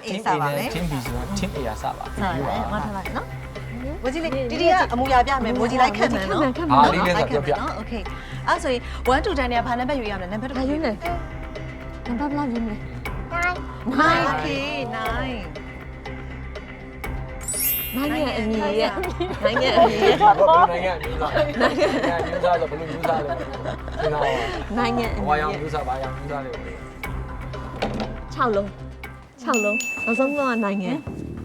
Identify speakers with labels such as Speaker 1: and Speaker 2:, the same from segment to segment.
Speaker 1: A စပါလေ
Speaker 2: team B ဆိုတော့ team A ရစပါ
Speaker 1: ဟုတ်တယ်ငါထားလိုက်နော်မိုးကြီးလေးတီတီကအမူအရာပြမယ်မိုးကြီးလိုက်ခက်မယ်နော်
Speaker 2: အားလေးလေးဆိုပြောပြ
Speaker 1: နော်โอเคအဲ့ဆိုရင်1 to 10နဲ့ဘာနံပါတ်ယူရမလဲနံပါတ်
Speaker 3: ဘာယူလဲနံပါတ်ဘလောက်ယူမလဲ
Speaker 1: 9 okay 9
Speaker 3: 9ရဲ့အမီရဲ့9ရဲ့အမီရဲ့
Speaker 2: ဘာနိုင်ငံမျိုးသားမျိုးသားဆိုဘယ်လိုမျိုးသားလဲသင်တာ
Speaker 3: 9ရဲ့အမီ
Speaker 2: ဝါရောင်
Speaker 3: ရဲ့
Speaker 2: မျိုးသားဘာရောင်မျိုးသားလဲ
Speaker 3: 6လုံးနောက်ဆုံးတော့9ရဲ့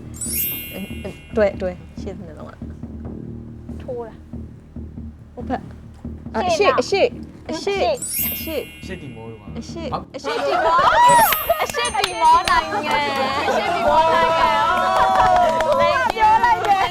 Speaker 3: တွေ့ရှင်းနေတော့ထိုးတာဟုတ်ဖက်အရှိ
Speaker 2: ရှစ်တီမိုးတော့ပါ
Speaker 3: အရှိတီမောနိုင်ငံနိုင်ပြောလိုက်တယ်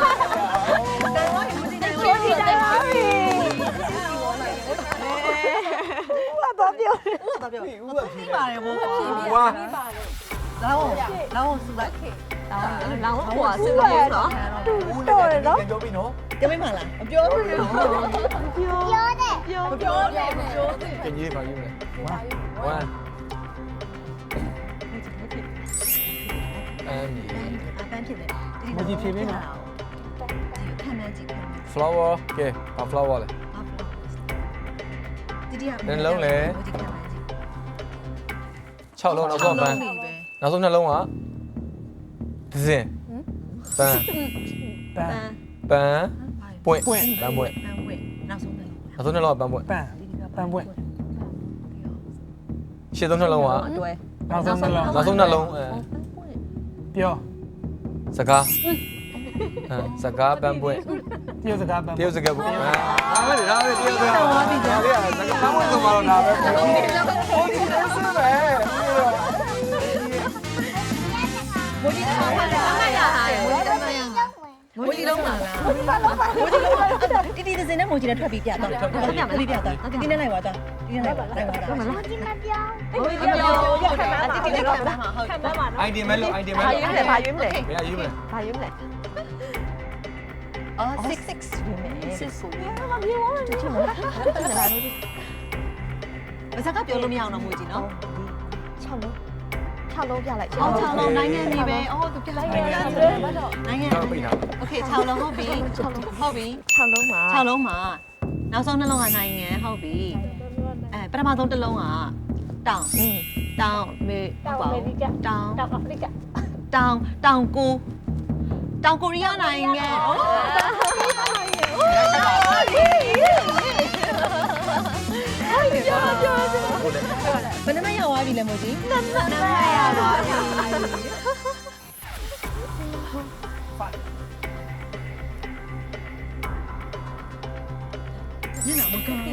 Speaker 1: တော့ပြောဦးကပြီးပါတယ်ဘိုး
Speaker 2: ဝါ
Speaker 1: လောင်းစုလိုက်
Speaker 3: လောင်းကွာစလို့နော်
Speaker 1: တော်တယ်နော်
Speaker 2: ပြောပြီနော်
Speaker 1: ကြမိမလားမပြောဘူးပြောတယ်
Speaker 2: can you ဘာယူလဲ1
Speaker 1: အပန်းဖြစ်တယ်
Speaker 4: မကြီးဖြေပေးနော်
Speaker 1: ခံမှန်းကြည့်
Speaker 2: flower ကဲဘာ flower လဲ
Speaker 1: တီတီက
Speaker 2: 6လုံးနောက်ဆုံးပန်းနောက်ဆုံးနှလုံးကဒဇင်ပန်း
Speaker 4: ပန်း
Speaker 2: ပွင့်ပန်းပွင့်
Speaker 1: ပန်းဝဲနောက်ဆုံးတယ်
Speaker 2: နောက်ဆုံးနှလုံးကပန်းပွင့်
Speaker 4: ပန်းပွင့်
Speaker 2: ရှစ်သုံးနှလုံးက
Speaker 3: အတွဲ
Speaker 4: နောက်ဆုံးနှလုံး
Speaker 2: နောက်ဆုံးနှလုံး
Speaker 4: ပြော
Speaker 2: စကားစကားပန်းပွင့်
Speaker 4: တရုတ်စကားပန်း
Speaker 2: တရုတ်စကားပွင့်ဒါပဲတရုတ်စကားဒါလေးစကားပန်းပွင့်ဆိုတော့ဒါပဲဟုတ်တယ်ဆက်ပဲ
Speaker 1: မိုးကြီးထောင်းလာမိုးကြီးထောင်းလာမိုးကြီးလုံးလာလားမိုးကြီးလုံးတီတီစင်းနဲ့မိုးကြီးနဲ့ထွက်ပြီးပြတော့ပြမယ်ပြတော့တီနဲ့လိုက်ပါတော့တီနဲ့လိုက်ပါမိုးကြီးမပြောရက်ခံပါတီတီနဲ့ခံပါဟုတ်ခံပါနော်
Speaker 2: idea မဲလို့ idea မဲလို့
Speaker 3: ဘာယူမလဲ
Speaker 2: ဘယ်ယူမလဲ
Speaker 3: ဘာယူမလဲ
Speaker 1: အော်6ယူမယ်ဘာသာကပြောလို့မရအောင်တော့မိုးကြီးနော်
Speaker 3: 6လုံးပြလိုက်
Speaker 1: 6လုံးနိုင်ငံကြီးပဲအော်သူပြလိုက်နိုင်ငံ
Speaker 2: တော့ပြတာ
Speaker 1: โอเค6လုံးဟုတ်ပြီဟုတ်ပြီ
Speaker 3: 6လုံးမှာ
Speaker 1: 6လုံးမှာနောက်ဆုံးနှလုံးကနိုင်ငံဟုတ်ပြီပထမဆုံးတစ်လုံးကတောင်မေတောင်ကိုရီးယားနိုင်ငံဘယ်နှမရောက်သွားပြီလဲမို့ကြီးနမရောက်သွားပြီညနာမကောင်းဘူး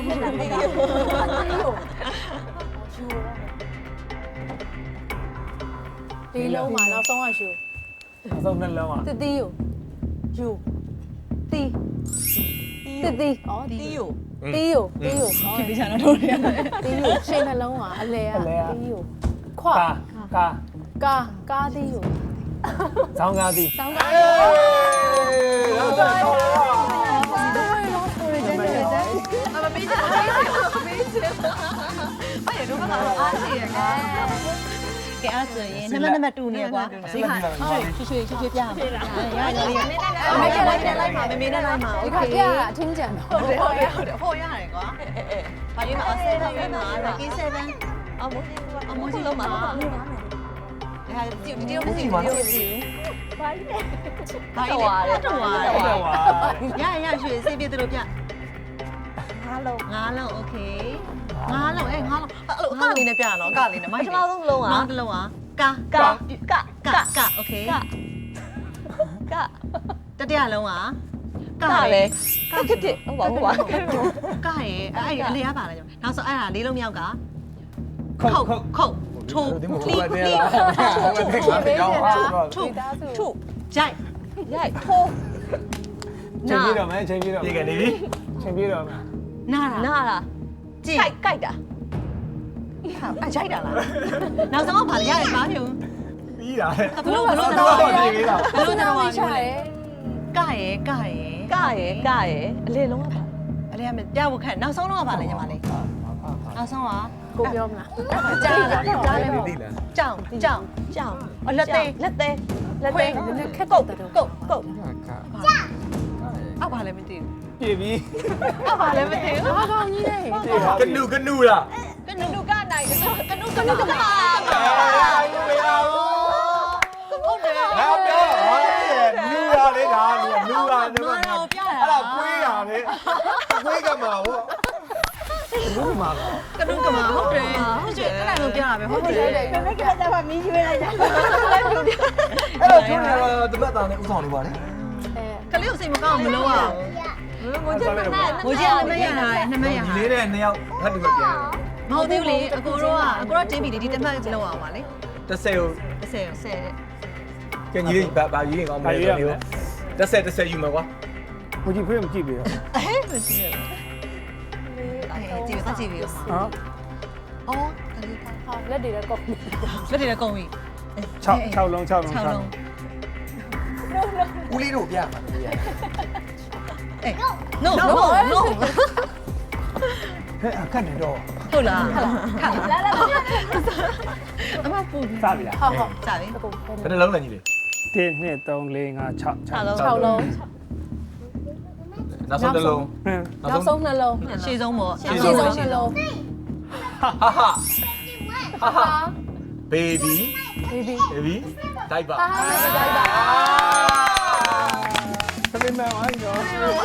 Speaker 5: ဒီလုံးမှာနောက်ဆုံးကယူ
Speaker 4: နောက်ဆုံးနှလုံးอ่ะ
Speaker 5: တတိယယူတီတီဩတီယ
Speaker 1: ဖြစ်ပြီးချာတော့တို့ရ
Speaker 5: တီယရှင်းနှလုံးကအလဲကတီယခွာ ကာတီယ
Speaker 4: ဇောင်းကားသည်
Speaker 5: တောင်းတာ
Speaker 1: မပေးချင်ဘူးဘာရတော့အားရှိရကဲအဲ့ဆိုရင်နံပါတ်2နေကွာဒီခါရွှေပြမှာရလိုက်ပါမေနဲ့လိုက်ပါ
Speaker 5: ဒီ
Speaker 1: โอ
Speaker 5: ခါ
Speaker 1: เค
Speaker 5: ပြအထင်းကြံတော့
Speaker 1: ဟုတ်တယ်ဟိုရတယ်ကွာဘာရေးမှာ7ရွေးမှာ lucky 7အမိုးကြီးလုံးမှာဒါဒီတော့မသိဘူးဘာလဲရရွှေစေးပြတို့ပြ5လုံးโอเค5လုံးအဲ့5လုံးအဲ့လိုအကလေးနဲ့ပြရအောင်အကလေးနဲ့မိုက်
Speaker 3: ပထမဆုံးလုံးอ่ะ
Speaker 1: နောက်တစ်လုံးကโอเคတတိယလုံးက
Speaker 3: ကလည်းကစ်ဟုတ်ပါ
Speaker 1: ကရဲ့အဲ့အလေးရပါလားကျွန်တော်နောက်ဆုံးအဲ့ဒါလေးလုံးမြောက်ကခုတ်ထိုး
Speaker 2: ဒီမှာဘာလဲလား
Speaker 1: ထိုး
Speaker 3: ထု
Speaker 1: ရိုက်
Speaker 3: ရိုက်ထိုး
Speaker 4: ချိန်ပြေးတော့မယ်ချိန်ပြေးတော့
Speaker 2: ပြေကနေပြီ
Speaker 4: ချိန်ပြေးတော့မယ်
Speaker 1: နား
Speaker 3: နာလား
Speaker 1: ကြည့်
Speaker 3: ကြိုက်တာ
Speaker 1: အဲ့ရိုက်တာလားနောက်ဆုံးကဘာလဲရတယ်ဘာမျိုး
Speaker 2: ပြီးတာ
Speaker 1: ဘလို့တော့ကရဲ့
Speaker 3: ကရဲ့အလေလုံးကပါ
Speaker 1: အလေးရမယ်ပြဖို့ခက်နောက်ဆုံးတော့ကဘာလဲညီမလေးနောက်ဆုံးက
Speaker 5: ကိုပြောမလားကြားလည်းမဟုတ်
Speaker 2: သိလား
Speaker 1: ကြောင်အလက်သေး
Speaker 3: လက်သေး
Speaker 5: လက်သေးနည်းနည်းခက်တော့တယ်
Speaker 1: ကုတ်
Speaker 2: ခါ
Speaker 1: အောက်ပါလည်းမသိဘူး
Speaker 4: ပြေပြီ
Speaker 1: အောက်ပါလည်းမသိဘူး
Speaker 5: ဘာကောင်းကြီးလဲ
Speaker 2: ကနူလား
Speaker 1: ကနုကနိုင်ကနုဟုတ်တယ်
Speaker 2: ငါပြောဟာနူရလေဒါနူရဒီမှာအဲ့ဒါကွေးရလေကွေးကမှာဟော
Speaker 4: ဘူးမှာ
Speaker 1: ကနုကမှာဟုတ်တယ်ဟုတ်တယ်အဲ့ဒါကိုပြတာပဲဟုတ်တယ်
Speaker 3: ဘယ်နဲ့ကလည်းတော့မီးရွေးလိုက်တာ
Speaker 2: အဲ့တော့ကျွန်တော်တပတ်သားနဲ့ဥဆောင်နေပါလေ
Speaker 1: ကလေးကိုစိတ်မကောင်းမလို့อ่ะ
Speaker 3: ငိုချင်မနဲ့
Speaker 1: ငိုချင်နမရတာနမရ
Speaker 2: ဒီလေးနဲ့နှစ်ယောက်ငါတူပဲပြန်
Speaker 1: မဟုတ်သေးဘူးလေအကိုတော့တင်းပြီဒီတစ်မှတ်လောက်အောင်ပါလေ
Speaker 2: 30ကို
Speaker 1: 30တဲ့
Speaker 2: ကျန်ကြီးလေးဘာယူရင်ကောင်းမလဲဆိုတော့30ယူမှာကွာ
Speaker 4: ကိုကြီးဖေးမကြည့်ပြီတော့
Speaker 1: အဲ့မကြည့်ရဘူးကြည့်ပါကြည့်ပြီ
Speaker 4: ဟမ်
Speaker 1: အော်ကလေး
Speaker 5: ဟာလက်တွေလည်းကောက်ပြီ
Speaker 1: လက်တွေလည်းကုန်ပြီ
Speaker 4: 6လုံး
Speaker 1: 6လုံး
Speaker 2: ဦးလေးတို့ပြမှာလေ
Speaker 1: အေး no
Speaker 4: ဟဲ့အခက်နေတော့
Speaker 1: ဟုတ်လားခါလာလာအမပူ
Speaker 4: စပြီလား
Speaker 5: ဟုတ်ဟုတ်
Speaker 1: စာပြီ
Speaker 5: အကုန်
Speaker 2: ဘယ်နှလုံးလဲညီလေး
Speaker 4: 1 2 3 4 5 6
Speaker 5: 6လုံး
Speaker 2: နောက်ဆုံးတစ်လုံး
Speaker 5: နောက်ဆုံးနှလုံး
Speaker 1: ရှေ့ဆုံးပေါ့
Speaker 5: ရှေ့ဆုံးနှလုံး
Speaker 2: ဟာဟာ baby baby တိုက်ပါ
Speaker 5: တိုက်ပါ
Speaker 4: သမီးမဝိုင်းတော့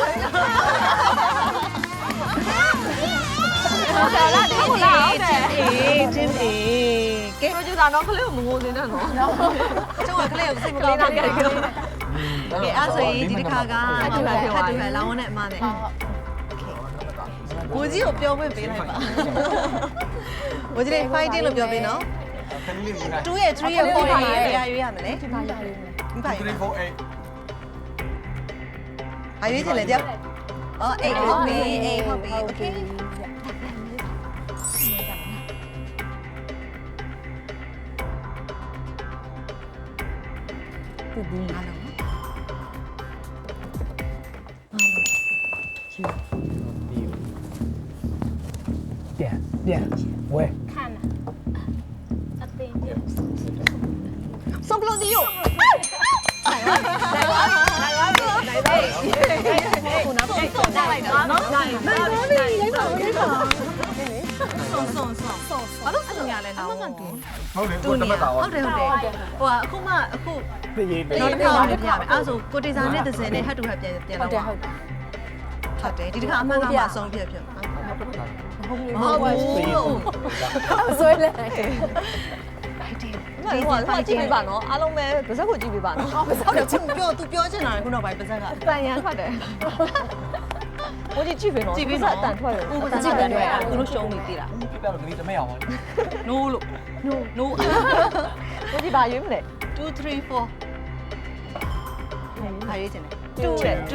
Speaker 1: ဟုတ်တယ်လားဟုတ်လားဟုတ်တယ်ချင်းအေးကဲ
Speaker 3: ပြောကြတာတော့ကလေးကိုမငိုနေနဲ့နော်
Speaker 1: ကျွန်တော်ကလေးကိုစိတ်မကောင်းတာကဲအဲ့ဆိုရင်ဒီတစ်ခါကဟတ်တူဟဲလောင်းနဲ့အမနဲ့ကိုကြီးကိုပြောခွင့်ပေးလိုက်ပါကိုကြီးလေး fighting လို့ပြောပေးနော်
Speaker 2: ခဏလေးညီ
Speaker 1: 2
Speaker 2: လေး
Speaker 1: ရဲ့3ရဲ့4ရဲ့တရားရွေးရမယ်လေ
Speaker 5: ဒီမှာရည်မယ်
Speaker 1: ဘာ
Speaker 2: 3 4 8
Speaker 1: ဘာရွေးချင်လဲကြောက်အော်8ဟုတ်ပြီ8ဟုတ်ပြီ okay
Speaker 5: ဒီဒီ
Speaker 1: အားလုံး
Speaker 4: ပြန်ဝဲ
Speaker 3: 送不了你哟。
Speaker 1: ဘာလို့ဆုံးရလဲနော်
Speaker 2: ဟုတ်တယ်ကိုတပတ်သား
Speaker 1: ဟုတ်တယ်ဟုတ်တယ်ဟိုကအခုမှအခု
Speaker 4: ပြေးပြေး
Speaker 1: နောက်တစ်ခါလည်းပြရမယ်အဲ့ဆိုကိုတေစာနဲ့တစ်စင်နဲ့ဟတ်တူဟတ်ပြန်
Speaker 5: ဟုတ်တယ်
Speaker 1: တော့
Speaker 5: ဟုတ်တယ်
Speaker 1: ဟုတ်တယ်ဒီတစ်ခါအမှန်ကမှဆုံးပြပြ
Speaker 5: ဟုတ်ပြီ
Speaker 1: မဟုတ်ဘူး
Speaker 5: ဆွဲလဲ
Speaker 3: 那我记没办喏，阿龙妹不是会记没办喏。
Speaker 1: ဟုတ်တယ်ပြောသူပြောချင်တာခုနောက်ပိုင်းပါဇက်က
Speaker 3: 三年快点。我就记没喏，
Speaker 1: ကြည့်ပြီးတော့
Speaker 3: 蛋出来了。
Speaker 1: ဦးပစကြည့်တယ်သူတို့ရှုံးနေသေးလား
Speaker 2: ပြပြတော့ကလေးတမဲအောင်ပါ
Speaker 1: no လို့ no
Speaker 3: 我记把鱼没嘞。
Speaker 1: 2 3 4ဟာရေးချင်တယ်
Speaker 3: 2嘞。
Speaker 1: 2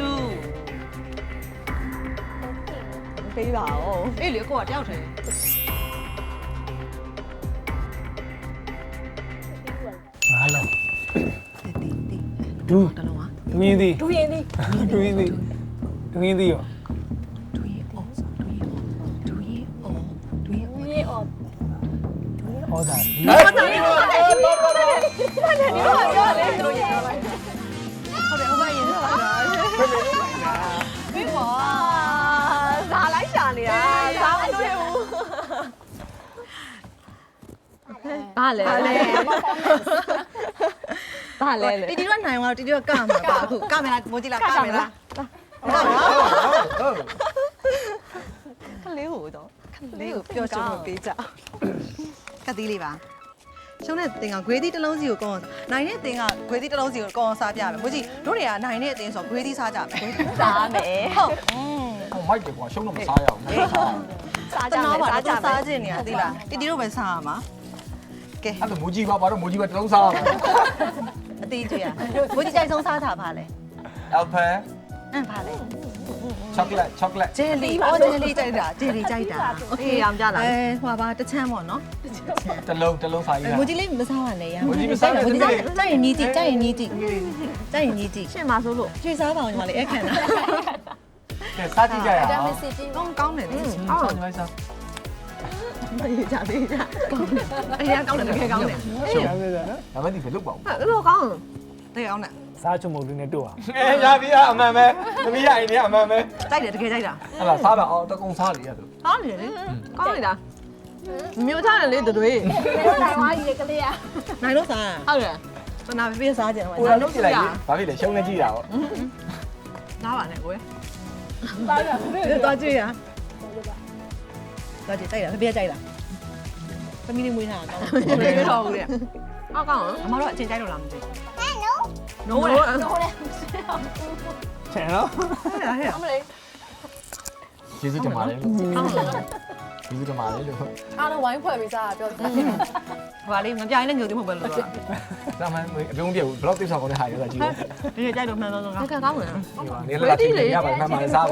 Speaker 3: 可以吧？哦。
Speaker 1: အေးလေကိုကတယောက်တည်း
Speaker 4: 5လုံး
Speaker 1: တီတီ
Speaker 4: ဒူး
Speaker 1: တလုံးဟာ
Speaker 4: ဒူးရင်သည်
Speaker 5: ဒူရင်ဒီ
Speaker 4: ဒူးရင်သည်ဒူးရင်သည်ရော
Speaker 1: 2ရေအော်2ရေအော်2ရေအော်
Speaker 5: ရေအော်
Speaker 4: ဩဇာ
Speaker 2: ဟုတ်တယ်ဟုတ်တယ်
Speaker 1: ပြောလေသူတို့ရေဟုတ်တယ်ဟိုဘက်ရေဟုတ်တာပြီးပါ
Speaker 3: 咋来想的呀？咋不对不？ဘာလဲဘာလဲလဲ
Speaker 1: တီတီကနိုင်သွားတော့တီတီကကမှာပါအခုကမယ်လားမိုးကြည့်လားကမယ်လား
Speaker 2: ဟုတ်
Speaker 3: ခလေးကိုတော့ခ
Speaker 1: လေးကိုပြောချင်လို့ပေးကြကတိလေးပါရှုံးတဲ့တင်ကဂွေးသီးတစ်လုံးစီကိုကောင်းနိုင်တဲ့တင်ကဂွေးသီးတစ်လုံးစီကိုကောင်းစားပြမယ်မိုးကြည့်တို့တွေကနိုင်တဲ့အတင်ဆိုဂွေးသီးစားကြမယ်
Speaker 3: စားမယ်
Speaker 1: ဟုတ်
Speaker 2: မိုက်တယ်ကွာရှုံးတော့မစားရအောင်
Speaker 3: စားကြ
Speaker 1: ကျွန်
Speaker 3: မယ်
Speaker 1: တော်ပါ
Speaker 3: စားကြ
Speaker 1: တော့
Speaker 3: မယ်
Speaker 1: စားခြင်းနေရသိလားတီတီတို့ပဲစားရမှာကဲ
Speaker 2: အဲ့ဒါမူကြီးပါဘာတော့မူကြီးပဲတလုံးစားအောင်
Speaker 1: အသေးကျွေးရမိုးကြည့်ကြိုက်ဆုံးစားတာပါလေ
Speaker 2: Alpha
Speaker 1: အမ်ပါလေ
Speaker 2: chocolate
Speaker 1: ဂျယ်လီအော်ဂျယ်လီကြိုက်တာဂျယ်လီကြိုက်တာโอเค
Speaker 3: အောင်ကြလား
Speaker 1: ဟိုပါတချမ်းပေါ့နော်
Speaker 2: တလုံးစားရည်
Speaker 1: မိုးကြီးလေးမစားရနဲ့ရ
Speaker 2: မိုးကြီးမစားနဲ့
Speaker 1: မိုးကြီးကြိုက်ရင်ညီးကြည့်ကြိုက်ရင်ညီးကြည့်ကြိုက်ရင်ညီးကြည့်
Speaker 3: ရှင်းပါဆိုလို့
Speaker 1: ကျွေးစားပါအောင်ညီမလေးအဲ့ခံတာ
Speaker 2: ကဲစားကြည့်ကြရ
Speaker 5: ဒါ
Speaker 2: အောင်
Speaker 5: မစစ်ကြီး
Speaker 1: ကောင်းတယ်လေ
Speaker 2: ဆောင်းနေလိုက်စား
Speaker 1: အေးကြသေးကြအေးကောင်းတယ်တကယ်ကောင်းတယ်
Speaker 4: ရှုပ်ရတယ်နော်
Speaker 2: ဒါမှဒီဘယ်လုပ်ပါဦး
Speaker 1: အဲ့လိုကောင်းတကယ်ကောင်းတယ်
Speaker 4: စားချုံမုတ်လေးနဲ့တို့အောင်
Speaker 2: ရပြီအမှန်ပဲသမီးရရင်လည်းအမှန်ပဲ
Speaker 1: ကြိုက်တယ်တကယ်ကြိုက်တာ
Speaker 2: ဟလာစားပါအောင်တကုံစားလေရသူ
Speaker 1: ကောင်းတယ်လေကောင်းနေတာမျိုးချတယ်လေတို့တွေ
Speaker 3: နိုင်သွားကြီးကလေးอ่ะ
Speaker 1: နိုင်လို့စားဟုတ်တယ်စနာပြေးစားကြတယ်
Speaker 2: ကိုယ်လုံးကြည့်လိုက်ဘာဖြစ်လဲရှုံးနေကြည့်တာပေါ့
Speaker 1: နားပါနဲ့ကိုယ်
Speaker 3: ပါရ
Speaker 1: သွားကြည့်ရသွားကြည့်ကြိုက်တာပြေးကြိုက်တာသမီးလေးမွေးထားတာကောင်းတယ်ပြေးတော့ဘူးလေအော်ကောင်းအမတို့အချင်းကြိုက်လို့လားမသိဘူးနိုးလေ
Speaker 4: ချင်နော်
Speaker 1: ဟဲ့ဟဲ့
Speaker 3: အမလေး
Speaker 2: ကျေးဇူးတင်ပါတယ်လို့ကျေးဇူးတင်ပါတယ်လို့
Speaker 5: အားလုံးဝိုင်းဖွဲ့ပြီးစားပြောတယ်
Speaker 1: ဟိုပါလေးမပြိုင်လည်းညိုသေးမဟုတ်ပဲလို့ဆိုတာ
Speaker 2: ဒါမှမဟုတ်အပြုံးပြဘူးဘလော့တိဆောက်ကောင်းတဲ့ဟာရတာကြည့်လို့
Speaker 1: ဒီကြိုက်လို့မှန်တော့ကောင်းတယ်ကောင်းတယ်
Speaker 2: နေလာချင်းရပါမှန်မှန်စားပါ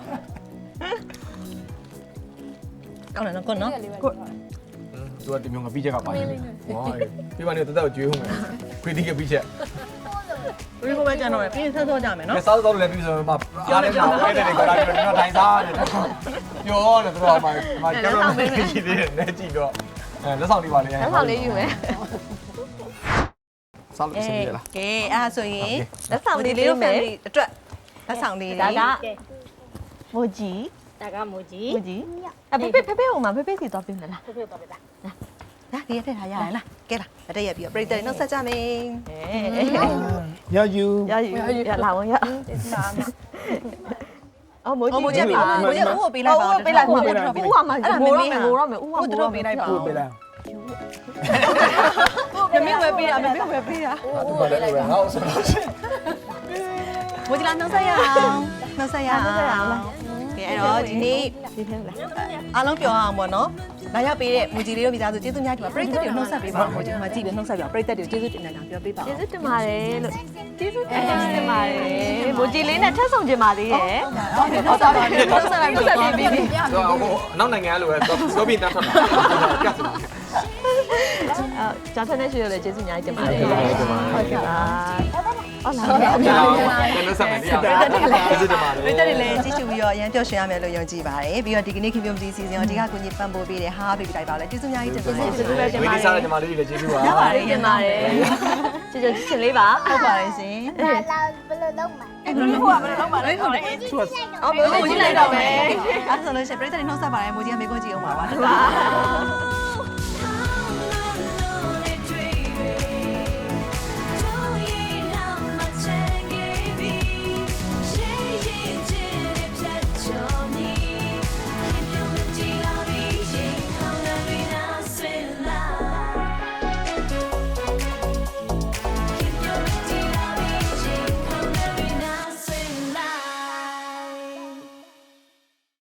Speaker 1: ကောင်းတယ်နော်ကိုနော်
Speaker 2: သူကဒီမျိုးငါပြီးချက်ကပါနေဟောပြီးပါနေတက်တက်ကျွေးဦးမယ်ခွေးတီးကပြီးချက်
Speaker 1: ဒီကိုပဲကြံတော့ပြင်းဆက်ဆော့ကြမယ်နော်
Speaker 2: စားတော့လည်းပြီးဆိုတော့အားလည်းတော့ပဲတယ်ကောလာပြီးတော့ထိုင်စားတယ်ပြောတယ်သူတို့မှကျွန်တော်မကြည့်သေးတယ်နဲ့ကြည့်တော့လက်ဆောင်လေးပါလေ
Speaker 1: လက်ဆောင်လေးယူမယ်
Speaker 2: စားလို့စနေလား
Speaker 1: ကဲအဲ့ဒါဆိုရင်လက်ဆောင်လေးလေးမယ်အတွက်လက်ဆောင်လေးဒါကမိုဂျီ
Speaker 3: ဒါကမိုကြီး
Speaker 1: မိုဂျီအဖေဖေဖေဟိုမှာဖေဖေစီသွားပြင်လား
Speaker 3: ဖေဖေတော့ပြတာ
Speaker 1: ဒါဒီရထည့်ထားရရလားကဲလားလက်တက်ရပြီးတော့ပရိသတ်နှုတ်ဆက်ကြမယ်
Speaker 4: ရယူ
Speaker 1: ရယူရလာဝင်ရအော်မိုဂျီမိုဂျီပေးမိုဂျီဦးကိုပေးလိုက်ပါဦးပေးလိုက်ဦးကမှငိုတော့မယ်ငိုတော့မယ်ဦးကငိုတော့ပေးလိုက်ပါဦး
Speaker 4: ပေးလိုက်
Speaker 1: မမေဝယ်ပေးတာမမေဝယ်ပေးတာ
Speaker 2: သူကလည်းပဲငါ့ဆိုတော့
Speaker 1: မိုဂျီလာနှုတ်ဆက်ရအောင်နှုတ်ဆက်ရအောင်ကဲအဲ့တော့ဒီနေ့ဒီထဲလာအားလုံးပြောအောင်ပေါ့နော်လာရောက်ပေးတဲ့မူကြီးလေးတို့မိသားစုကျေးဇူးများတင်ပါပရိသတ်တွေနှုတ်ဆက်ပေးပါဦးမူကြီးမှာကြည့်ပြီးနှုတ်ဆက်ပြပရိသတ်တွေကျေးဇူးတင်ကြတာပြောပေးပါဦး
Speaker 3: ကျေးဇူးတင်ပါတယ်လို့ကျေးဇူးတင်ပါတယ်မိုကြီးလေးနဲ့ထပ်ဆောင်ကြပါသေးရဲ့
Speaker 1: ဟုတ်တာပါနှုတ်ဆက်လိုက်ပြီးပြီးပြီး
Speaker 2: ဟိုနောက်နိုင်ငံလိုပဲပြောပြီးတတ်ထွက်တာကတ်စတာ
Speaker 1: ဂျာဖန်နဲ့ရှိရလေကျေးဇူးများတင်ပါတယ်
Speaker 2: ဟုတ်ကဲ့ပါ
Speaker 1: ဟုတ်ကဲ့ပါဟုတ်လား
Speaker 2: ပြန်လို့ဆက်မယ်တရားကျေးဇူးတင်ပါတယ်
Speaker 1: ပရိသတ်တွေလည်းကြည့်ရှုပြီးတော့အရင်ပျော်ရွှင်ရမယ်လို့ယုံကြည်ပါတယ်ပြီးတော့ဒီကနေ့ခင်ဗျုံကြီးစီစဉ်ရောဒီကကိုကြီးပံ့ပိုးပေးတယ်ဟာဘေဘီတိုက်ပါလဲကျေးဇူးများကြီးတင်ပါတယ်ကျေးဇူးပဲတင်
Speaker 2: ဝေး
Speaker 1: ပါတ
Speaker 2: ဒီ
Speaker 1: ယ်
Speaker 2: စားတဲ့ညီမလေးတွေလည်းကျေးဇူးပါ
Speaker 1: ရပါတယ်တင်ပါတယ်
Speaker 3: ကျေးဇူးချစ်လေးပါ
Speaker 1: ဟုတ်ပါတယ်ရှင်
Speaker 3: လာဘယ်လိုလုပ်မှာ
Speaker 1: အဲ့ဘယ်လိုဟုတ်ပါဘယ်လိုလုပ်ပါလဲဟုတ်တယ်အော်ဘယ်လိုကြည့်လိုက်တော့မယ်အဲ့ဆိုလို့ရှိရင်ပရိသတ်တွေနှုတ်ဆက်ပါတယ်မူကြီးကမေကွန်းကြည့်အောင်ပါပါ